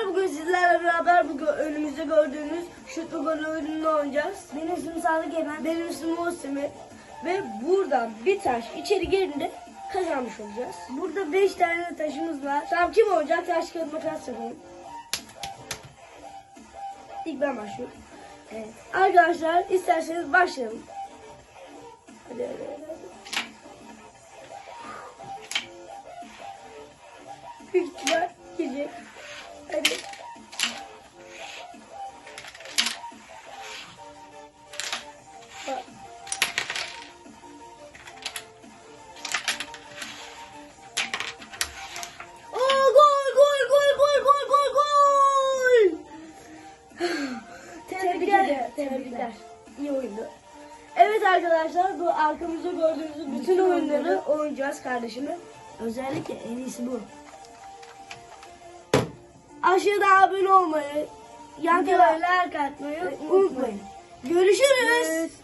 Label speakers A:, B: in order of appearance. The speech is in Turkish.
A: arkadaşlar, bugün sizlerle beraber önümüzde gördüğünüz şutlu gol oyununu oynayacağız.
B: Benim ismim Sadık Emen.
A: Benim ismim Osimi ve buradan bir taş içeri girdiğinde kazanmış olacağız. Burada 5 tane taşımız var. Tamam, kim oynayacak? Taş kağıt makas yapalım. İlk ben başlıyorum.
B: Evet.
A: Arkadaşlar, isterseniz başlayalım. Hadi. Büyük ihtimal girecek. Hadi. Bak. Oo, gol! Tebrikler. İyi oyundu. Evet arkadaşlar, bu arkamızda gördüğünüz bütün oyunları oynayacağız kardeşimle.
B: Özellikle en iyisi bu.
A: Aşağıda abone olmayı, yan
B: Videoya
A: kanala
B: like atmayı
A: unutmayın. Görüşürüz.